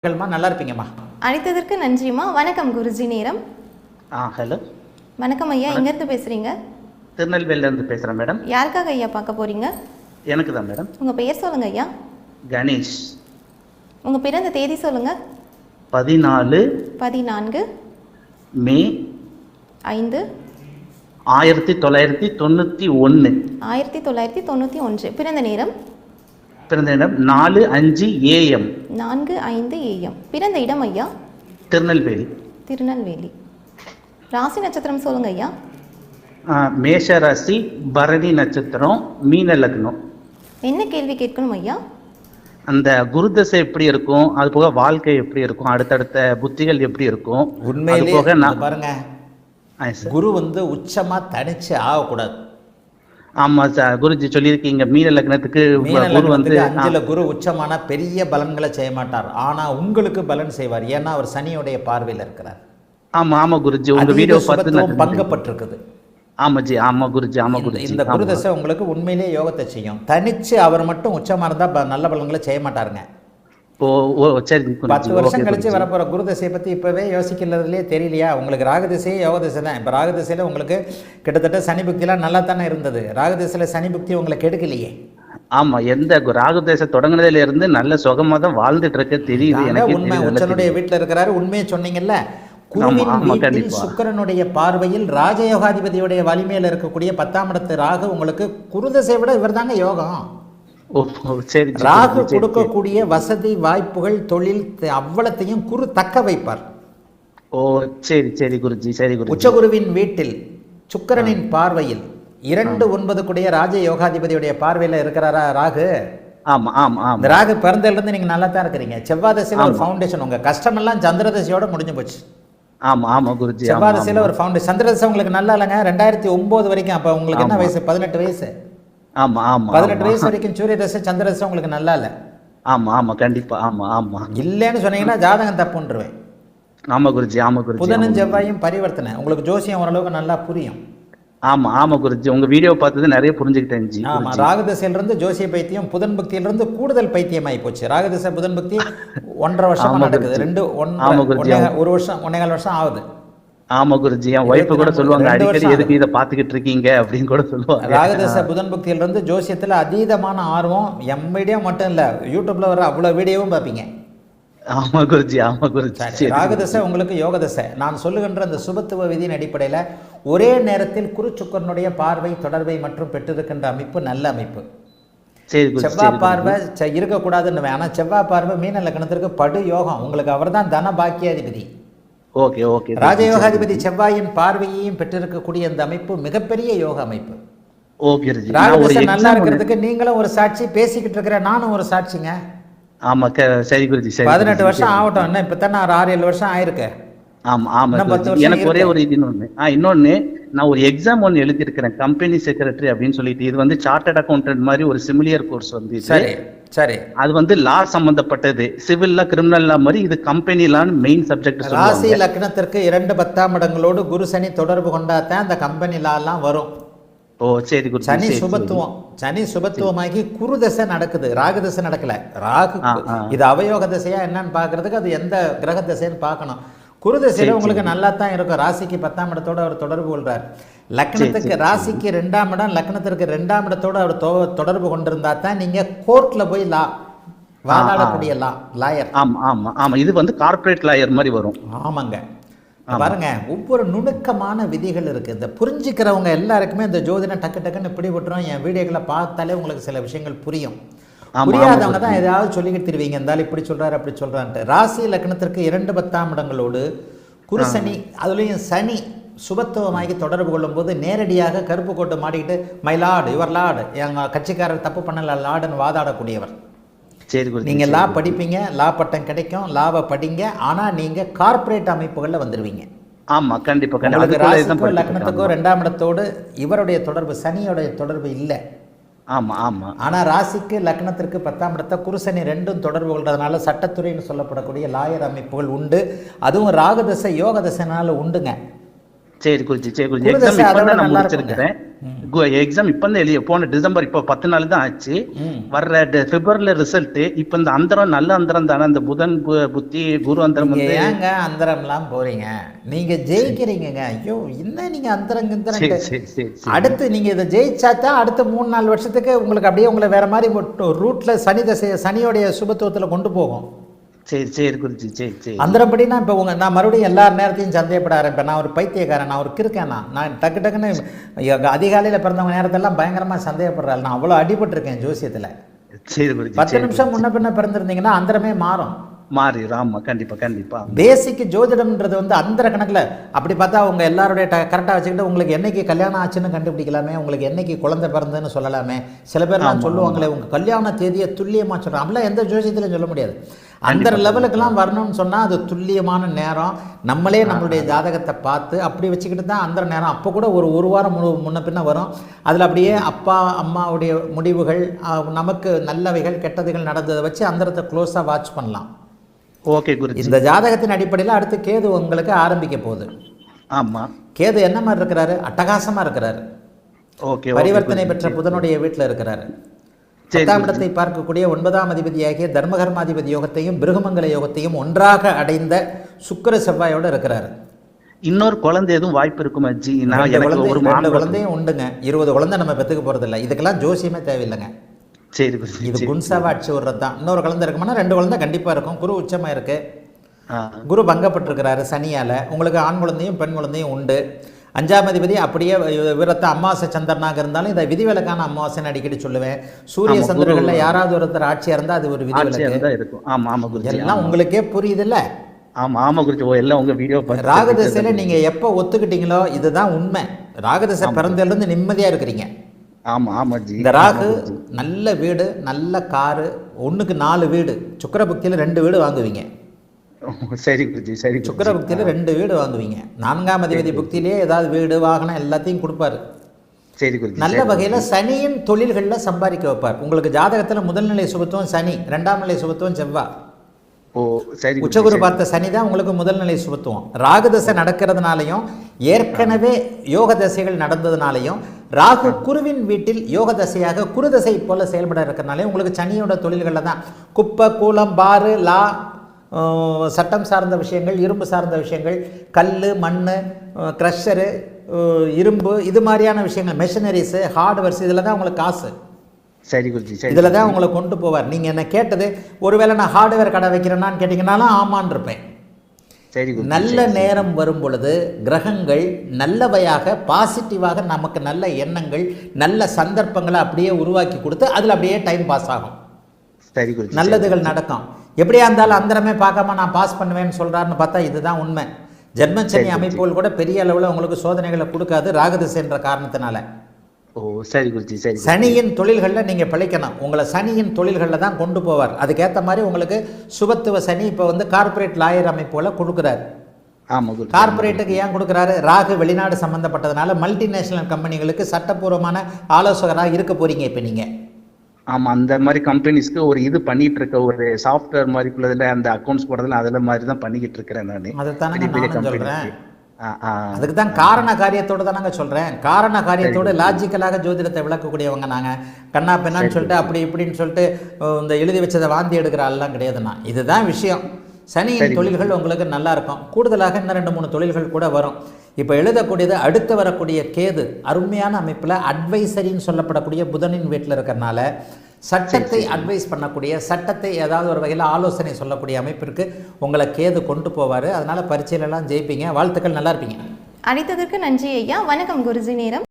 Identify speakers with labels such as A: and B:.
A: நல்லா இருப்பீங்கம்மா.
B: அழைத்ததற்கு நன்றிம்மா. வணக்கம் குருஜி. நேரம்.
A: ஹலோ.
B: வணக்கம் ஐயா. எங்கேருந்து பேசுகிறீங்க?
A: திருநெல்வேலியிலேருந்து பேசுகிறேன் மேடம்.
B: யாருக்காக ஐயா பார்க்க போகிறீங்க?
A: எனக்கு தான் மேடம்.
B: உங்கள் பெயர் சொல்லுங்க ஐயா.
A: கணேஷ்.
B: உங்கள் பிறந்த தேதி சொல்லுங்க.
A: 14 மே
B: 5
A: 1991.
B: 1991. பிறந்த நேரம்?
A: பிறந்த இடம் 4:05 AM.
B: 4:05 AM. பிறந்த இடம் ஐயா?
A: திருநெல்வேலி.
B: திருநெல்வேலி. ராசி நட்சத்திரம் சொல்லுங்க ஐயா.
A: மேஷ ராசி, பரணி நட்சத்திரம், மீன லக்னம்.
B: என்ன கேள்வி கேட்கணும் ஐயா?
A: அந்த குருதசை எப்படி இருக்கும், அது போக வாழ்க்கை எப்படி இருக்கும், அடுத்தடுத்த புத்திகள் எப்படி இருக்கும்,
C: உண்மையிலே
A: போக
C: பாருங்க, குரு உச்சமா தனிச்சு ஆகக்கூடாது.
A: ஆமா சார், குருஜி சொல்லியிருக்கீங்க. மீன லக்னத்துக்கு குரு
C: 5ல குரு உச்சமான பெரிய பலன்களை செய்ய மாட்டார், ஆனா உங்களுக்கு பலன் செய்வார். ஏன்னா அவர் சனியுடைய பார்வையில் இருக்கிறார்.
A: ஆமா ஆமா குருஜி, உங்க வீடியோ பார்த்து
C: பங்கப்பட்டிருக்குது.
A: ஆமாஜி, ஆமா குருஜி, ஆமா குருஜி.
C: இந்த குருதசை உங்களுக்கு உண்மையிலேயே யோகத்தை செய்யும். தனிச்சு அவர் மட்டும் உச்சமா இருந்தா நல்ல பலன்களை செய்ய மாட்டாருங்க.
A: ஓ சரி.
C: 10 வருஷம் கழிச்சு வரப்போற குருதசையை பத்தி இப்பவே யோசிக்கிறதுலேயே தெரியலையா? உங்களுக்கு ராகதிசையே யோக திசை தான். இப்போ ராகதிசையில உங்களுக்கு கிட்டத்தட்ட சனி புக்திலாம் நல்லா தானே இருந்தது. ராகதிசையில சனி புக்தி உங்களுக்கு கெடுக்கலையே.
A: ஆமா, எந்த ராகுதேச தொடங்கினதுல இருந்து நல்ல சுகமா தான் வாழ்ந்துட்டு இருக்க தெரியுது எனக்கு.
C: உண்மை, உச்சனுடைய வீட்டுல இருக்கிறாரு. உண்மையை சொன்னீங்கல்ல. குருவின் வீட்டில் சுக்கிரனுடைய பார்வையில் ராஜயோகாதிபதியுடைய வலிமையில இருக்கக்கூடிய 10ஆம் இடத்து ராகு உங்களுக்கு குருதசை விட இவர் தாங்க யோகம். ராகு கொடுக்கக்கூடிய வசதி வாய்ப்புகள் தொழில் அவ்வளத்தையும் குரு தக்க வைப்பார்.
A: ஓ சரி சரி குருஜி, சரி குருஜி.
C: உச்சகுருவின் வீட்டில் சுக்கிரனின் பார்வையில் 2-9 கூடிய ராஜ யோகாதிபதியுடைய பார்வையில இருக்கிறாரா ராகு?
A: ஆமா ஆமா ஆமா.
C: இந்த ராகு பிறந்ததுல இருந்து நீங்க நல்லா தான் இருக்கிறீங்க. செவ்வாய் தசையில ஒரு ஃபவுண்டேஷன், உங்க கஷ்டம் எல்லாம் சந்திர தசையோட முடிஞ்சு போச்சு.
A: ஆமா ஆமா குருஜி.
C: செவ்வாய் தசையில ஒரு ஃபவுண்டேஷன். சந்திர தசை உங்களுக்கு நல்லா இல்லைங்க. 2009 வரைக்கும். அப்ப உங்களுக்கு என்ன வயசு? 18 வயசு.
A: ஆமா ஆமா.
C: 18 வயசு வரைக்கும் சூரிய தசை சந்திர தசை உங்களுக்கு நல்லா இல்ல.
A: ஆமா ஆமா கண்டிப்பா. ஆமா ஆமா.
C: இல்லன்னு சொன்னீங்கன்னா ஜாதகம் தப்புன்றுவேன்.
A: ஆமா குருஜி, ஆமா குருஜி.
C: புதனும் செவ்வாயும் பரிவர்த்தனை. உங்களுக்கு ஜோசியம் ஓரளவுக்கு நல்லா புரியும்.
A: ஆமா ஆமா குருஜி, உங்க வீடியோ பார்த்தது நிறைய புரிஞ்சுக்கிட்டேன் ஜி.
C: ஆமா, ராகதிசையில இருந்து ஜோசிய பைத்தியம், புதன் பக்தியில இருந்து கூடுதல் பைத்தியம் ஆகி போச்சு. ராகதிசை புதன் பக்தி 1.5 வருஷமா நடக்குது. 1 வருஷம் 1.25 வருஷம் ஆகுது.
A: ஆமா குருஜி, என் வைஃப் கூட சொல்லுவாங்க அடிக்கடி எதுக்கு இதை பாத்துக்கிட்டு இருக்கீங்க அப்படின்னு கூட சொல்லுவாங்க.
C: ராகதச புதன் பக்தியில இருந்து ஜோசியத்துல அதீதமான ஆர்வம். எம் வீடியோ மட்டும் இல்ல, யூடியூப்ல வர அவ்வளவு வீடியோவும் பார்ப்பீங்க.
A: ஆமா குருஜி, ஆமா குருஜி.
C: ராகதசை உங்களுக்கு யோகதசை. நான் சொல்லுகின்ற அந்த சுபத்துவ விதியின் அடிப்படையில ஒரே நேரத்தில் குரு சுக்கரனுடைய பார்வை தொடர்பை மற்றும் பெற்றிருக்கின்ற அமைப்பு நல்ல அமைப்பு. செவ்வாய் பார்வை இருக்கக்கூடாதுன்னு, ஆனா செவ்வாய் பார்வை மீன லக்னத்திற்கு படு யோகம். உங்களுக்கு அவர் தான் தன பாக்கியாதிபதி.
A: Okay okay.
C: ராஜயோகாதிபதி செவ்வாயின் பார்வையையும் பெற்றிருக்கக்கூடிய அந்த அமைப்பு மிகப்பெரிய யோக அமைப்பு.
A: ஓகே.
C: ராகதசை நல்லா இருக்கிறதுக்கு நீங்களும் ஒரு சாட்சி, பேசிக்கிட்டு இருக்கிற நானும் ஒரு சாட்சிங்க.
A: ஆமா சரி குருஜி.
C: 18 வருஷம் ஆகட்டும். என்ன இப்பதான் நான் 6-7 வருஷம் ஆயிருக்கு.
A: ஆமா ஆமா. எனக்கு ஒரே ஒரு இது இன்னொன்னு, நான் ஒரு எக்ஸாம் ஒன்று எழுதியிருக்கிறேன், கம்பெனி செக்ரட்டரி அப்படின்னு சொல்லிட்டு. இது சார்ட்டர்ட் அக்கௌண்டன்ட் மாதிரி ஒரு சிமிலியர் கோர்ஸ்
C: சரி சரி.
A: அது லா சம்பந்தப்பட்டது, சிவில்லா கிரிமினல்லா மாதிரி. இது கம்பெனி லான்னு மெயின் சப்ஜெக்ட்.
C: ராசி லக்னத்திற்கு 2 10ஆம் இடங்களோடு குரு சனி தொடர்பு கொண்டாதான் அந்த கம்பெனி லா எல்லாம் வரும்.
A: ஓ சரி குரு.
C: சனி சுபத்துவம், சனி சுபத்துவமாகி குரு தசை நடக்குது, ராகு தசை நடக்கல. ராகு இது அவயோக தசையா என்னன்னு பாக்குறதுக்கு அது எந்த கிரக தசைன்னு பார்க்கணும். குரு தசையில உங்களுக்கு நல்லா தான் இருக்கும். ராசிக்கு 10ஆம் இடத்தோட அவர் தொடர்பு கொள்றார். லக்னத்துக்கு ராசிக்கு 2ஆம் இடம், லக்னத்திற்கு 2ஆம் இடத்தோட அவர் தொடர்பு கொண்டிருந்தா தான் நீங்க கோர்ட்ல போய் வாதாடக்கூடிய லாயர்.
A: ஆமா ஆமா ஆமா. இது கார்ப்பரேட் லாயர் மாதிரி வரும்.
C: ஆமாங்க. பாருங்க, ஒவ்வொரு நுணுக்கமான விதிகள் இருக்கு. இந்த புரிஞ்சுக்கிறவங்க எல்லாருக்குமே இந்த ஜோதிடம் டக்கு டக்குன்னு இப்படி விட்டுரும். என் வீடியோக்களை பார்த்தாலே உங்களுக்கு சில விஷயங்கள் புரியும். புரியாதவங்க தான் ஏதாவது சொல்லிக்கிட்டு திருவீங்க, இருந்தாலும் இப்படி சொல்றாரு அப்படி சொல்றான்ட்டு. ராசி லக்னத்திற்கு 2 10ஆம் இடங்களோடு குரு சனி, அதுலேயும் சனி சுபத்துவமாகி தொடர்பு கொள்ளும் போது நேரடியாக கருப்பு கோட்டை மாட்டிக்கிட்டு மை லார்டு யுவர் லார்டு, எங்க கட்சிக்காரர் தப்பு பண்ணல லார்டுன்னு வாதாடக்கூடியவர். நீங்க லா படிப்பீங்க, லா பட்டம் கிடைக்கும், லாவை படிங்க. ஆனா நீங்க கார்ப்பரேட் அமைப்புகள்ல வந்துருவீங்க.
A: ஆமா கண்டிப்பா.
C: ராசிக்கும் லக்னத்துக்கும் 2ஆம் இடத்தோடு இவருடைய தொடர்பு, சனியோடைய தொடர்பு இல்லை.
A: ஆமா ஆமா.
C: ஆனா ராசிக்கு லக்னத்திற்கு 10ஆம் இடத்தை குரு சனி 2ம் தொடர்பு கொள்றதுனால சட்டத்துறைன்னு சொல்லப்படக்கூடிய லாயர் அமைப்புகள் உண்டு. அதுவும் ராகதசை யோக தசைனால உண்டுங்க.
A: சரி குருஜி, சரி குருஜி.
C: குரு
A: எக்ஸாம்
C: தசை அதை
A: இப்ப
C: விட
A: தான் நான்
C: நல்லா இருக்குங்க.
A: முடிச்சிருக்கிறேன். எக்ஸாம் இப்ப தான் எழுதிய போன டிசம்பர், இப்போ 10 நாள் தான் ஆச்சு. வர்ற பிப்ரவரில ரிசல்ட். இப்ப இந்த அந்தரம் நல்ல அந்தரம் தானே, இந்த புதன் புத்தி குரு அந்தரம்
C: நீங்க
A: வந்து.
C: ஏங்க அந்தரம்லாம் போறீங்க? நீங்க ஜெயிக்கிறீங்கங்க. ஐயோ என்ன நீங்க அந்தரம்
A: சரி
C: கிந்தரம்.
A: சரி சரி சரி.
C: அடுத்து நீங்க இதை ஜெயிச்சாதான் அடுத்த 3-4 வருஷத்துக்கு உங்களுக்கு அப்படியே உங்களை வேற மாதிரி ரூட்ல சனி தசையை சனியோடைய சுபத்துவத்துல கொண்டு போகும்.
A: சரி சரி குருஜி, சரி சரி.
C: அந்தரப்படினா இப்போ நான் மறுபடியும் எல்லா நேரத்தையும் சந்தேகப்பட ஆரம்பிப்பேன். நான் ஒரு பைத்தியக்காரன், நான் ஒரு கிறுக்கேன். நான் டக்கு டக்குன்னு அதிகாலையில் பிறந்தவங்க நேரத்தெல்லாம் பயங்கரமாக சந்தேகப்படுறாள். நான் அவ்வளோ அடிபட்டிருக்கேன் ஜோசியத்தில்.
A: சரி குருஜி.
C: 10 நிமிஷம் முன்ன பின்ன பிறந்திருந்தீங்கன்னா அந்தரமே மாறும்.
A: மாறிடும். ஆமா கண்டிப்பா கண்டிப்பா.
C: பேசிக் ஜோதிடம்ன்றது வந்து அந்தர கணக்கில் அப்படி பார்த்தா உங்கள் எல்லாருடைய கரெக்டாக வச்சுக்கிட்டு உங்களுக்கு என்னைக்கு கல்யாணம் ஆச்சுன்னு கண்டுபிடிக்கலாமே, உங்களுக்கு என்னைக்கு குழந்தை பிறந்ததுன்னு சொல்லலாமே. சில பேர்லாம் சொல்லுவாங்களே உங்கள் கல்யாண தேதியை துல்லியமாக சொல்கிறோம். அப்படிலாம் எந்த ஜோசியத்திலையும் சொல்ல முடியாது. அந்த லெவலுக்கெல்லாம் வரணும்னு சொன்னால் அது துல்லியமான நேரம். நம்மளே நம்மளுடைய ஜாதகத்தை பார்த்து அப்படி வச்சுக்கிட்டு தான் அந்த நேரம். அப்போ கூட ஒரு வாரம் முன்ன பின்ன வரும். அதில் அப்படியே அப்பா அம்மாவுடைய முடிவுகள், நமக்கு நல்லவைகள் கெட்டதுகள் நடந்ததை வச்சு அந்தரத்தை க்ளோஸாக வாட்ச் பண்ணலாம்.
A: ஓகே குருஜி.
C: இந்த ஜாதகத்தின் அடிப்படையில் அடுத்து கேது உங்களுக்கு ஆரம்பிக்க போகுது.
A: ஆமா.
C: கேது என்ன மாதிரி இருக்கிறாரு? அட்டகாசமாக இருக்கிறாரு.
A: ஓகே.
C: பரிவர்த்தனை பெற்ற புதனுடைய வீட்டில் இருக்கிறாரு. 10ஆம் இடத்தை பார்க்கக்கூடிய 9ஆம் அதிபதியாகிய தர்மகர்மாதிபதி யோகத்தையும் பிருகமங்கல யோகத்தையும் ஒன்றாக அடைந்த சுக்கிர செவ்வாயோட இருக்கிறாரு.
A: இன்னொரு குழந்தை எதுவும் வாய்ப்பு இருக்குமா ஜி? நான்
C: ரெண்டு
A: எனக்கு
C: குழந்தையும் உண்டுங்க. 20 குழந்தை நம்ம பெற்றுக்க போறது இல்லை. இதுக்கெல்லாம் ஜோசியமே தேவையில்லைங்க.
A: சரி குருஜி.
C: இது குன்சாவா அடிச்சு விடுறது தான். இன்னொரு குழந்தை இருக்குமானா 2 குழந்தை கண்டிப்பாக இருக்கும். குரு உச்சமாக இருக்கு. குரு பங்கப்பட்டிருக்கிறாரு சனியால். உங்களுக்கு ஆண் குழந்தையும் பெண் குழந்தையும் உண்டு. 5ஆம் அதிபதி அப்படியே விரத்த அமாவாசை சந்திரனாக இருந்தாலும் இதை விதிவிலக்கான அமாவாசைன்னு அடிக்கடி சொல்லுவேன். சூரிய சந்திரர்களில் யாராவது ஒருத்தர் ஆட்சியாக இருந்தால் அது ஒரு விதிவிலக்கு
A: இருக்கும். ஆமா ஆமா குருஜி.
C: எல்லாம் உங்களுக்கே புரியுதுல்ல.
A: ஆமா ஆமா குருஜி. எல்லாம் உங்க வீடியோ பார்த்து
C: ராகுதசையில் நீங்கள் எப்போ ஒத்துக்கிட்டீங்களோ இதுதான் உண்மை. ராகுதசை பிறந்ததுலேருந்து நிம்மதியாக இருக்கிறீங்க.
A: ஆமா ஆமா ஜி.
C: இந்த ராகு நல்ல வீடு, நல்ல காரு, 1க்கு 4 வீடு, சுக்கிரபக்தியில் 2 வீடு வாங்குவீங்க.
A: சரி குருஜி, சரி.
C: சுக்கிரபக்தியில் 2 வீடு வாங்குவீங்க. 4ஆம் அதிபதி புக்தியிலே ஏதாவது வீடு வாகனம் எல்லாத்தையும் கொடுப்பாரு.
A: சரி குருஜி.
C: நல்ல வகையில் சனியின் தொழில்களில் சம்பாதிக்க வைப்பார். உங்களுக்கு ஜாதகத்தில் முதல்நிலை சுபத்துவம் சனி, 2ஆம் நிலை சுபத்துவம் செவ்வாய்.
A: ஓ சரி.
C: உச்சகுரு பார்த்த சனி தான் உங்களுக்கு முதல்நிலை சுபத்துவம். ராகுதசை நடக்கிறதுனாலையும் ஏற்கனவே யோக தசைகள் நடந்ததுனாலையும் ராகு குருவின் வீட்டில் யோக தசையாக குருதசை போல செயல்பட இருக்கிறனாலே உங்களுக்கு சனியோட தொழில்களில் தான் குப்பை கூலம் பாரு லா சட்டம் சார்ந்த விஷயங்கள், இரும்பு சார்ந்த விஷயங்கள், கல் மண் க்ரஷரு இரும்பு இது மாதிரியான விஷயங்கள், மெஷினரிஸு ஹார்ட்வேர்ஸ், இதில் தான் உங்களுக்கு காசு.
A: சரி குருஜி.
C: இதில் தான் உங்களை கொண்டு போவார். நீங்கள் என்ன கேட்டது ஒருவேளை நான் ஹார்ட்வேர் கடை வைக்கிறேன்னான்னு கேட்டிங்கனாலும் ஆமான்னு இருப்பேன்.
A: சரி.
C: நல்ல நேரம் வரும் பொழுது கிரகங்கள் நல்லவையாக பாசிட்டிவாக நமக்கு நல்ல எண்ணங்கள் நல்ல சந்தர்ப்பங்களை அப்படியே உருவாக்கி கொடுத்து அதில் அப்படியே டைம் பாஸ் ஆகும்.
A: சரி குருஜி. நல்லதுகள்
C: நடக்கும். எப்படியா இருந்தாலும் அந்தரமே பார்க்காம நான் பாஸ் பண்ணுவேன்னு சொல்கிறாருன்னு பார்த்தா இதுதான் உண்மை. ஜென்மச்சனி அமைப்புகள் கூட பெரிய அளவில் உங்களுக்கு சோதனைகளை கொடுக்காது ராகுதிசைன்ற காரணத்தினால.
A: ஓ சரி குருஜி. சரி.
C: சனியின் தொழில்களில் நீங்கள் பிழைக்கணும். உங்களை சனியின் தொழில்களில் தான் கொண்டு போவார். அதுக்கேற்ற மாதிரி உங்களுக்கு சுபத்துவ சனி இப்போ வந்து கார்பரேட் லாயர் அமைப்புகளை கொடுக்குறாரு.
A: ஆமாம் குருஜி.
C: கார்பரேட்டுக்கு ஏன் கொடுக்குறாரு? ராகு வெளிநாடு சம்மந்தப்பட்டதுனால மல்டிநேஷனல் கம்பெனிகளுக்கு சட்டப்பூர்வமான ஆலோசகராக இருக்க போறீங்க இப்போ நீங்கள்.
A: ஆமாம், அந்த மாதிரி கம்பெனிஸ்க்கு ஒரு இது பண்ணிட்டு இருக்க ஒரு சாஃப்ட்வேர் மாதிரி உள்ளதில் அந்த அக்கௌண்ட்ஸ் போடுறதுல அதில் மாதிரி தான் பண்ணிக்கிட்டு இருக்கிறேன் நான்.
C: அதைத்தானே நான் சொல்கிறேன். அதுக்கு தான்
A: ஆ
C: காரண காரியத்தோடு தானங்க சொல்கிறேன். காரண காரியத்தோடு லாஜிக்கலாக ஜோதிடத்தை விளக்கக்கூடியவங்க நாங்கள். கண்ணா பெண்ணான்னு சொல்லிட்டு அப்படி இப்படின்னு சொல்லிட்டு இந்த எழுதி வச்சதை வாந்தி எடுக்கிற ஆள்லாம் கிடையாதுண்ணா. இதுதான் விஷயம். சனியின் தொழில்கள் உங்களுக்கு நல்லா இருக்கும். கூடுதலாக இன்னும் 2-3 தொழில்கள் கூட வரும். இப்போ எழுதக்கூடியது அடுத்து வரக்கூடிய கேது அருமையான அமைப்பில் அட்வைசரின்னு சொல்லப்படக்கூடிய புதனின் வீட்டில் இருக்கிறனால சட்டத்தை அட்வைஸ் பண்ணக்கூடிய, சட்டத்தை ஏதாவது ஒரு வகையில் ஆலோசனை சொல்லக்கூடிய அமைப்பிற்கு உங்களை கேது கொண்டு போவார். அதனால் பரீட்சையிலலாம் ஜெயிப்பீங்க. வாழ்த்துக்கள், நல்லா இருப்பீங்க.
B: அழைத்ததற்கு நன்றி ஐயா. வணக்கம் குருஜி. நேரம்